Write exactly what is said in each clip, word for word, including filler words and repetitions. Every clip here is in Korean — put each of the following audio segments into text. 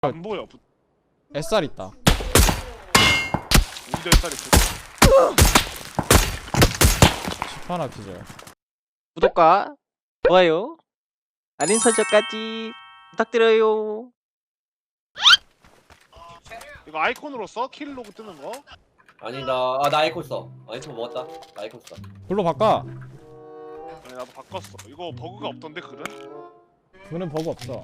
안 보여. 에스알 있다. 우리도 햇살이 있어. 십 하나 기절. 구독과 좋아요, 알림 설정까지 부탁드려요. 이거 아이콘으로 써? 킬 로그 뜨는 거? 아니 나 아 나 아이콘 써. 아이콘 먹었다. 나 아이콘 써. 불로 바꿔. 아니 나도 바꿨어. 이거 버그가 없던데 글은? 그는 버그 없어.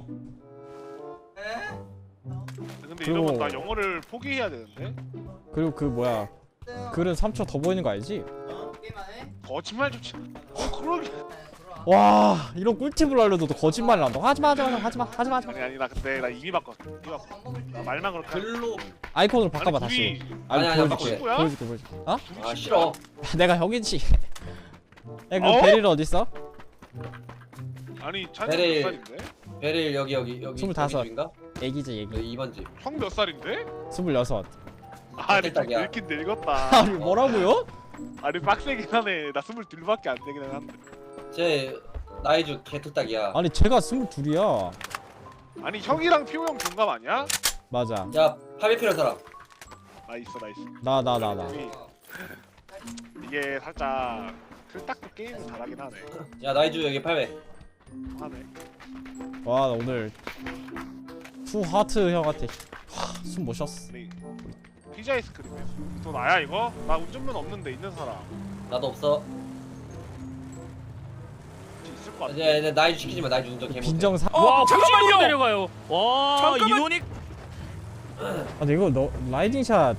근데 그리고- 이러면 나 영어를 포기해야 되는데? 그리고 그 뭐야, 글은 삼 초 더 보이는 거 알지? 거짓말 좀 치. 어 그러게. 와, 이런 꿀팁을 알려줘도 거짓말을 한다. 하지마 하지마 하지마 하지마 하지마. 아니 아니 나 근데 나 이미 바꿨어. 이미 바꿨어. 나 말만 그렇게. 할- 글로 아이콘으로 바꿔봐 아니, 다시. 둘이 아니 아니, 아니, 보여줄게. 친구야? 보여줄게 보여줄게. 어? 둘이 아 친구야? 싫어. 내가 형이지. 야, 그 어? 베릴 어디 있어? 아니 찬이 베릴. 몇 살인데? 베릴 여기 여기 여기 스물다섯. 집인가? 애기지 애기. 여기 이 번 집. 형 몇 살인데? 스물여섯. 아니 좀 딱이야. 늙긴 늙었다. 아니 뭐라고요? 아니 빡세긴 하네. 나 스물둘밖에 안 되긴 한데. 제 나이 중 개토딱이야. 아니 제가 스물둘이야. 아니 형이랑 피오 형 동갑 아니야? 맞아. 야 팔백 필요한 사람. 나 있어 나 있어. 나 나 나 나. 우리 이게 살짝 틀딱도 게임을 잘하긴 하네. 야 나이 중 여기 팔백. 하네. 와, 나 오늘 투 하트 형한테 숨 못 쉬었어. 우리 피자 아이스크림이야. 또 나야 이거? 나 운전면 없는데 있는 사람 나도 없어. 있을 것 같아. 이제 이제 나이 중 시키지 마. 나이 중 운전 개 못해. 빈정 사. 와, 잠깐만요. 내려가요. 와, 잠깐만. 이노닉 아니 이거 너 라이딩샷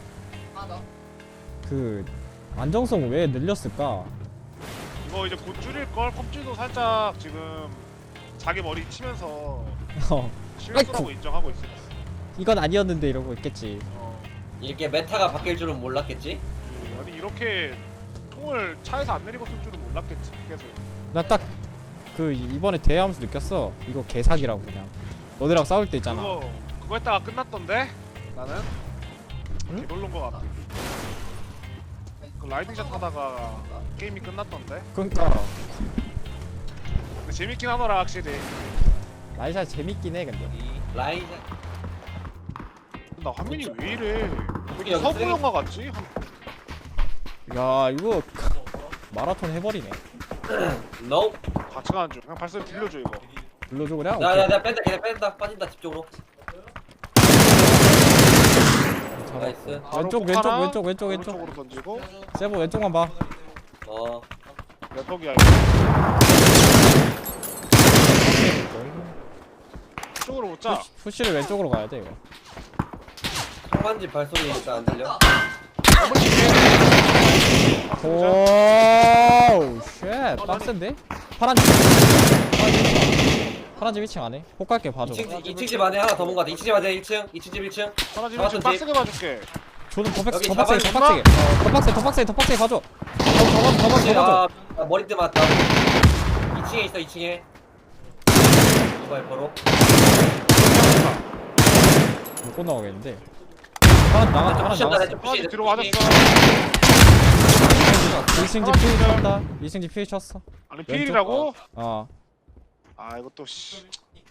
그 안정성 왜 늘렸을까? 이거 이제 곧 줄일 걸. 컵줄도 살짝 지금 자기 머리 치면서 어, 실수라고 아이쿠. 인정하고 있어. 이건 아니었는데 이러고 있겠지. 어. 이렇게 메타가 바뀔 줄은 몰랐겠지? 아니 이렇게 통을 차에서 안 내리고 쓸 줄은 몰랐겠지. 계속. 나 딱 그 이번에 대회하면서 느꼈어. 이거 개사기라고 그냥. 너네랑 싸울 때 있잖아. 그거 그거 했다가 끝났던데. 나는 응? 개별로인 것 같아. 그 라이딩샷 하다가 게임이 끝났던데. 그러니까 근데 재밌긴 하더라 확실히. 라이샷 재밌긴 해 근데. 라인 나 화면이 왜 이래? 여기 여기 서부 쓰레기. 영화 같지? 한- 야 이거 마라톤 해버리네. 노. 같이 가는 중. 그냥 발소리 들려줘 이거. 불러줘 그냥. 야야야 뺀다 걔네 뺀다 빠진다 집 쪽으로. 오케이. 나이스. 바로 왼쪽 폭 왼쪽 하나, 왼쪽 왼쪽 왼쪽. 오른쪽으로 던지고. 세보 왼쪽만 봐. 어. 몇 턱이야 이거? 이쪽으로 못 자. 푸시, 푸시를 왼쪽으로 가야 돼 이거. 상반집 발소리 일단 안 들려? 오우 쉣 빡센데? 파란 집 파란 집 이 층 안에 폭 갈게 봐줘. 이 층 이 층 집 안에 하나 더 본 거 같아. 이 층 집 안에 일 층, 이 층 집 일 층. 하나 지금 잡았던 빡세게 봐줄게. 저는 더 빡세 여기 더 빡세게 더 잡아주나? 빡세게 더 빡세 더 빡세 더 빡세게 봐줘. 더 봐줘 더 봐줘 더 봐줘. 아, 머리띠 맞다. 이 층에 있어, 이 층에. 이거 바로. 못 나가겠는데. 파란 나가 파란 푸시한다, 나갔어. 좀 하나 푸시. 집 뒤로 맞았어. 이 층 집 피해 쳤다. 이 층 집 피해 쳤어. 아니 필이라고? 어. 아 이거 또 씨.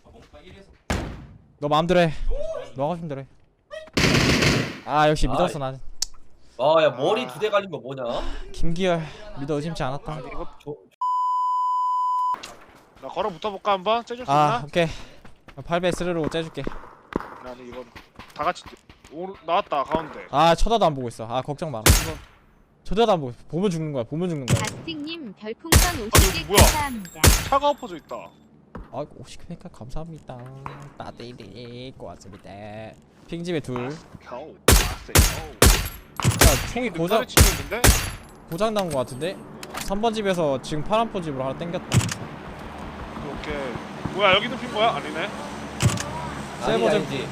너 마음대로 해. 너 하고 싶은 대로 해. 아 역시 믿었어 나는. 아, 야 머리 두 대 갈린 거 뭐냐? 김기열 믿어 의심치 않았다. 아니 이거 조, 나 걸어 붙어볼까 한번? 째줄 수 아 있나? 오케이. 팔 배 스르르고 째줄게. 아니 이거 다 같이 오 나왔다 가운데. 아 쳐다도 안 보고 있어. 아 걱정 마라. 쳐다도 안 보고 있어. 보면 죽는 거야. 보면 죽는 거야. 아스틱님 별풍선 아니, 오십 개 뭐야? 감사합니다. 차가 엎어져 있다. 아 오십 회니까 감사합니다. 따뜻히 고맙습니다. 핑집에 둘. 겨우. 빡세. 겨우. 야 총이 고장 고장 치고 있는데? 고장 난 거 같은데? 삼 번 집에서 지금 파란 포 집으로 하나 땡겼다. 오케이. 뭐야 여기도 핀 거야? 아니네. 아니 세버 좀- 아니지.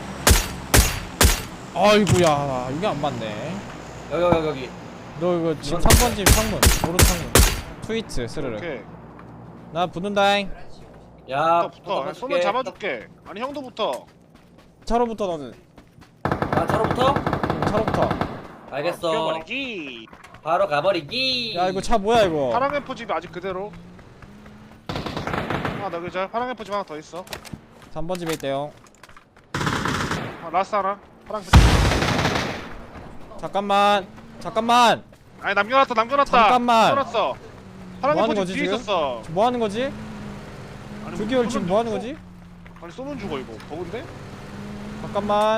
아이구야 이게 안 맞네. 여기 여기 여기. 너 이거 지금 삼 번 집 창문 오른 창문 트위트 스르르. 오케이. 나 붙는다잉. 야, 붙어 붙어. 손을 잡아줄게. 아니 형도 붙어. 차로부터 너는. 아, 차로부터? 응, 차로부터. 알겠어. 뛰어버리기. 바로 가버리기. 야 이거 차 뭐야 이거. 파랑 앰프 집이 아직 그대로. 아 나 그자 파랑 앰프 집 하나 더 있어. 삼 번 집에 있대요. 아, 라스트 하나. 파란색. 잠깐만 잠깐만 아니 남겨놨다 남겨놨다. 잠깐만. 남겨놨어. 뭐 파란색 하는 포지 거지, 뒤에 지금? 있었어. 지금 뭐 하는 거지? 아니, 조기열 쏘면 지금 뭐 하는 쏘- 거지? 아니 쏘면 죽어 이거. 버그인데? 잠깐만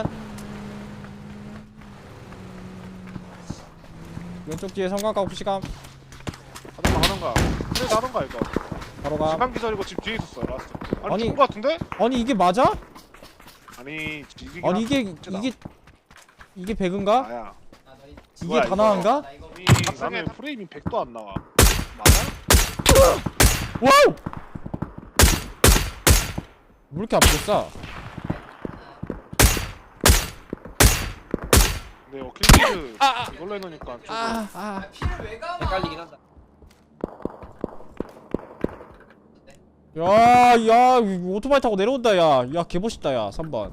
왼쪽 뒤에 성광가 옵시감 하던가 하던가. 그래 하던가 이거. 바로 가. 시간 기절이고 집 뒤에 있었어 라스트. 아니, 아니. 죽은 거 같은데? 아니 이게 맞아? 아니 이게 아니 이게 이게 이게 배그인가? 나야. 이게 뭐야, 다나한가? 이 나는 프레임이 백도 안 나와. 맞아? 와우! 왜 이렇게 아프겠어? 근데 이거 킬리드 이걸로 해놓으니까 조금 아, 아. 헷갈리긴 한다. 야, 야, 이거 오토바이 타고 내려온다, 야. 야, 개멋있다, 야. 삼 번.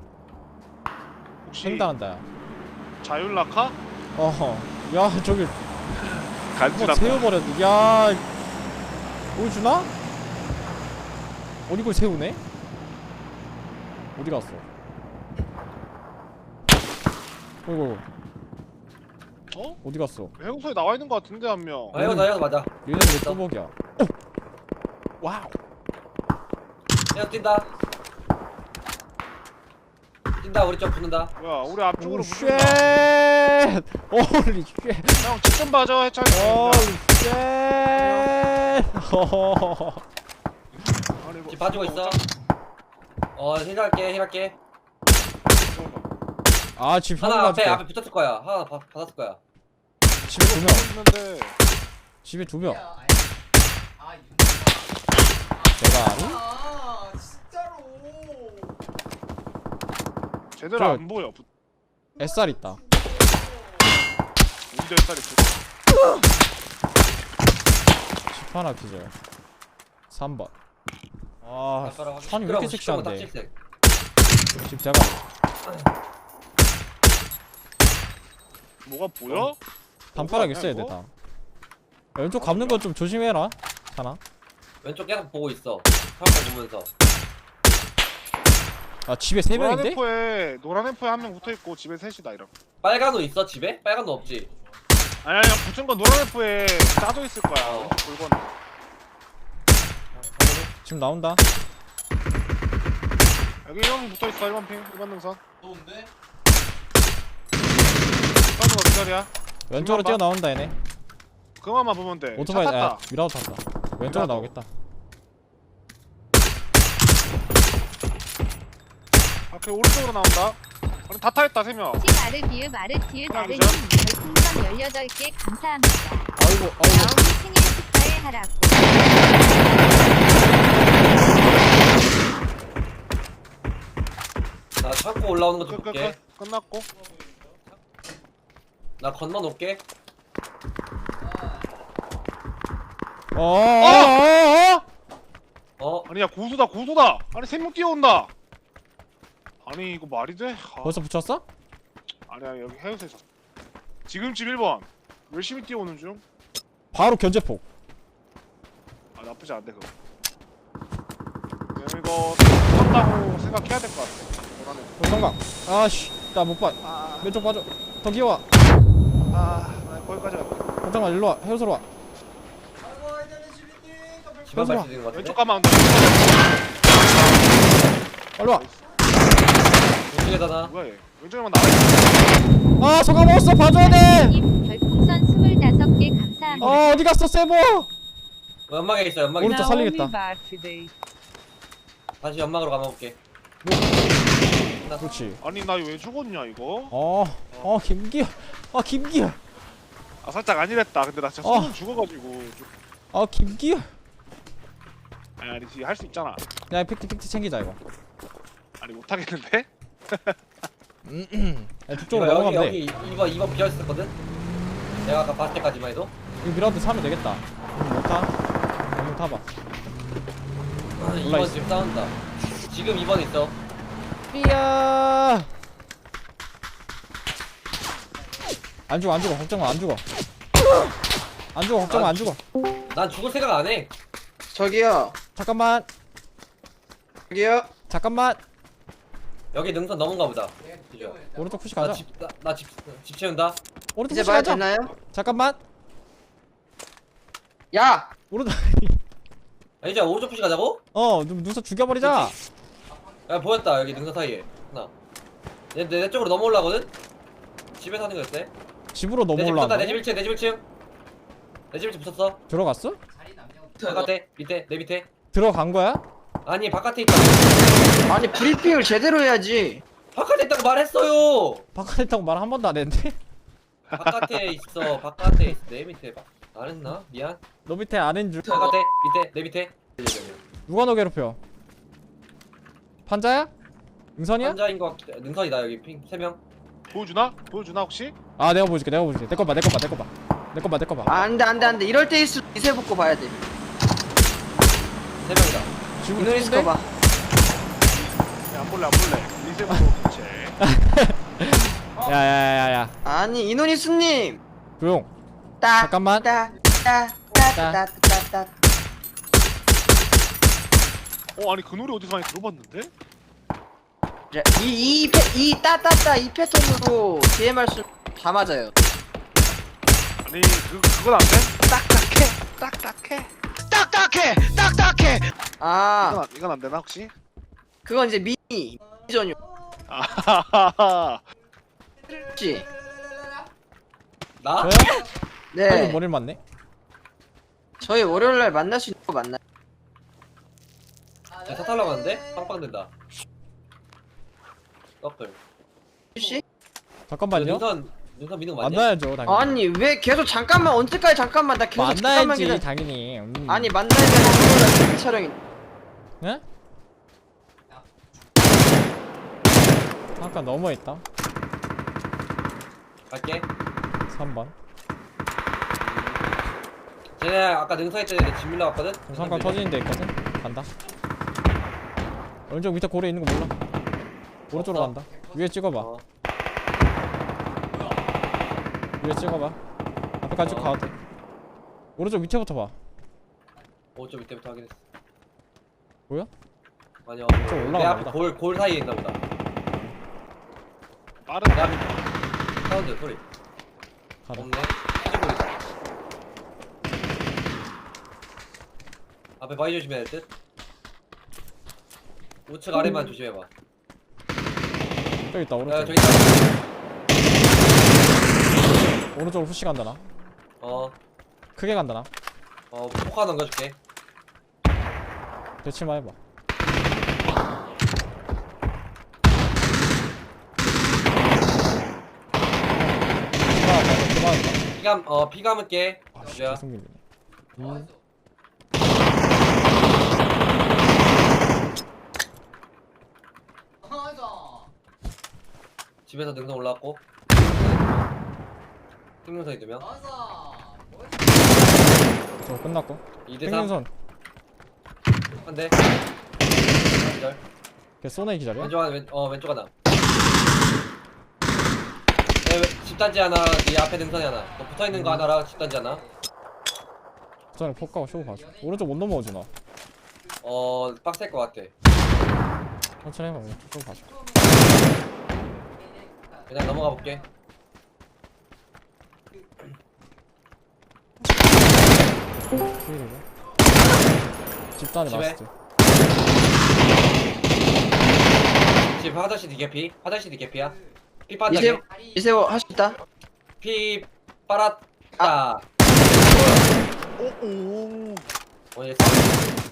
혹시 횡단한다, 야. 자율낙하? 어허. 야, 저기, 간지났다. 뭐 세워버렸네. 야, 보여주나? 어디 걸 세우네? 어디 갔어? 어이구, 어? 어디 갔어? 해우소에 나와 있는 거 같은데 한 명. 아 이거 나 이거 맞아. 얘는 왜 또벅이야? 어! 와우! 야 뛴다. 뛴다 우리 쪽 붙는다. 뭐야 우리 앞쪽으로 오, 쉣! 붙는다. 어리 쉣! 형 직선 봐줘 해찬이. 어리 쉣! 허허허허. 아니, 이거 지금 봐주고 있어. 어쩌- 어 힐할게 힐할게. 아, 집 형이 하나 앞에 가줄게. 앞에 붙었을 거야. 하나 받, 받았을 거야. 집에 두 명. 있는데 집에 두 명. 내가 아니? 아 진짜로. 제대로 저- 안 보여. 부- 에스알 있다. 운전 살이 있어. 집 하나 기절. 삼 번. 아, 아까랑 산이 왜 이렇게 섹시한데? 딱 집 대박. 뭐가 보여? 단파락 아니야, 있어야 이거? 돼, 다. 왼쪽 감는 거 좀 조심해라. 하나. 왼쪽 계속 보고 있어. 사람 보면서. 아, 집에 세 노란 명인데? 앰프에 노란 앰프에 한 명 붙어 있고 집에 셋이다 이런. 빨간 옷 있어 집에? 빨간 옷 없지. 아니 아니 붙은 건 노란 앰프에 짜져 있을 거야. 어. 물건. 지금 나온다. 여기 형 붙어 있어 일 번 핑 일 번 능선. 좋은데? 선우가 기다려. 왼쪽으로 봐. 뛰어 나온다, 얘네. 그만만 보면 돼. 오토바이, 차 아, 탔다. 미라도 탔다. 왼쪽으로 미라도. 나오겠다. 아, 그 오른쪽으로 나온다. 아니 다 타있다 세 명. 시마르 비읍 마르티읒 하나, 나르님 둘, 별풍선 열여덟 개 감사합니다. 아이고, 아이고. 나오미 생일 축하해 하라고. 나 창고 올라오는 거 좀 끝, 끝, 볼게. 끝. 끝났고. 나 건너 놓을게. 어, 어, 어, 어? 어? 아니 야 고수다 고수다. 아니 세 명 뛰어온다. 아니 이거 말이 돼? 아, 벌써 붙였어? 아니야 여기 해우소에 있었어. 지금쯤 일 번. 열심히 뛰어오는 중. 바로 견제폭. 아 나쁘지 않네 그거. 그냥 이거 한다고 생각해야 될 것 같아. 노란애. 어, 성강. 아씨, 나 못 봐. 아, 왼쪽 빠져. 더 기어와. 아, 아 거기까지 갔다. 잠깐만, 일로 와. 해우소로 와. 아이고 이제는 시비님. 집안 현수아. 갈수 있는 거 같은데? 왼쪽 가면 안 돼. 빨리 와. 왼쪽에다나. 뭐야 얘? 왼쪽에만 나와. 아, 성강 먹었어. 봐줘야 돼. 님 별풍선 스물다섯 개 감사합니다. 어, 어디 갔어, 세보? 연막에 있어 연막에 오른쪽 있어. 살리겠다. 다시 연막으로 감아볼게. 그렇지. 아니 나 왜 죽었냐 이거? 어, 어, 김기아. 아, 김기아. 아 살짝 아니랬다. 근데 나 진짜 어. 손 죽어가지고. 좀- 아, 김기아. 아니 아니지 할 수 있잖아. 야, 픽트 픽트 챙기자 이거. 아니 못하겠는데? 야, 북쪽으로 이거 넘어가면 돼. 여기 여기 이 번 이 번 비어 있었거든. 내가 아까 봤을 때까지만 해도. 이거 미라도 사면 되겠다. 못 타? 못 타봐. 아, 이 올라 번 있어. 지금 싸운다. 지금 이 번 있어. 삐야. 안 죽어, 안 죽어. 걱정 마, 안 죽어. 안 죽어, 걱정 마, 안 죽어. 난 죽을 생각 안 해. 저기요, 잠깐만, 저기요. 잠깐만. 여기 능선 넘은가 보다. 그죠? 오른쪽 푸시 가자. 나집나집 채운다. 오른쪽 이제 푸시 봐야 가자. 되나요? 잠깐만. 야! 오른쪽. 아, 이제 오른쪽 푸시 가자고? 어, 눈 눈썹 죽여버리자. 야 보였다 여기 능선 사이에 하나. 얘 내 쪽으로 넘어올라거든? 집에 사는 거였대. 집으로 내 집 넘어올라. 붙었다. 내 집 일 층. 내 집 일 층. 내 집 일 층 붙었어. 들어갔어? 바깥에 밑에 내 밑에. 들어간 거야? 아니 바깥에 있다. 아니 브리핑을 제대로 해야지. 바깥에 있다고 말했어요. 바깥에 있다고 말 한 번도 안 했는데? 바깥에 있어. 바깥에 있어. 내 밑에. 바... 안 했나? 미안. 너 밑에 아는 줄. 바깥에 밑에 내 밑에. 누가 너 괴롭혀? 판자야? 응선이야? 환자인 것 같. 능선이다 여기 핑 세 명. 보여주나? 보여주나 혹시? 아 내가 보여줄게 내가 보여줄게. 내 거 봐 내 거 봐 내 거 봐. 내 거 봐 내 거 봐. 안돼 안돼 안돼. 이럴 때일수록 이세 붙고 봐야 돼. 세 명이다. 지금 이노리스 거 봐. 야, 안 볼래 안 볼래. 리셋으로 교체. 야야야야야. 아니 이노리스님. 조용. 따. 잠깐만. 따. 따. 따. 따. 따. 따. 어 아니 그 노래 어디서 많이 들어봤는데? 이이이 따따따 이 패턴으로 디엠알 수다 맞아요. 아니 그 그건 안 돼? 딱딱해 딱딱해 딱딱해 딱딱해. 이건 아 안, 이건 안 되나 혹시? 그건 이제 미니 전용. 아하하하. 혹시 나? 저요? 아이고 네 머리를 맞네. 저희 월요일 날 만날 수 있는 거 맞나요? 야, 차 타려고 하는데? 빵빵 된다. 떡들. 혹시? 잠깐만요. 능선 능선 미는 거 맞냐? 만나야죠 당연히. 아니 왜 계속 잠깐만 언제까지 잠깐만 나 계속 잠깐만 만나야지 기다려. 당연히. 음. 아니 만나야 되는 촬영이. 네? 아까 넘어있다. 갈게. 삼 번. 쟤네 아까 능선 있던 애들 집 밀러 갔거든? 정상광 터지는 데 있거든? 간다. 왼쪽 밑에 고래 있는 거 몰라. 오른쪽으로 없어. 간다. 위에 찍어봐. 어. 위에 찍어봐. 앞에까지 쭉 어. 가도 돼. 오른쪽 밑에부터 봐. 오쪽 밑에부터 확인했어. 보여? 아니요. 좀 내 올라가나 앞에 보다. 골, 골 사이에 있나 보다. 빠른. 내 앞에 사운드 소리. 가다. 없네. 시골 있다. 앞에 바위 조심해야 될 듯. 우측 아래만 조심해봐. 저기 있다 야 오른쪽. 저기 있다. 오른쪽으로 푸시 간다 나. 어. 크게 간다 나. 어 포카 넘겨줄게. 대치만 해봐. 그만 그만. 피감 어 피감을게. 아 씨, 주야. 계속 밀리네. 음. 집에서 능선 올라왔고. 생명선이 두 명. 저거 끝났고. 이 대 삼. 생명선. 한 대. 기절. 걔 쏘네 기다려. 왼쪽 하나 왼, 어 왼쪽 하나. 네, 왼- 집단지 하나. 네 앞에 능선이 하나. 너 붙어 있는 거 하나랑 집단지 하나. 전에 폭가고 쇼 봐줘. 오른쪽 못 넘어오지 나. 어 빡셀 것 같아. 천천히 해봐. 오른쪽 쇼 봐줘. 그냥 넘어가 볼게. 휘리고. 집단에 집에? 마스트. 집 화장실 디개피. 화장실 디개피야. 피 이세호 빠졌네. 이세호 할 수 있다. 피 빨았다. 오오. 어, 얘 싸움.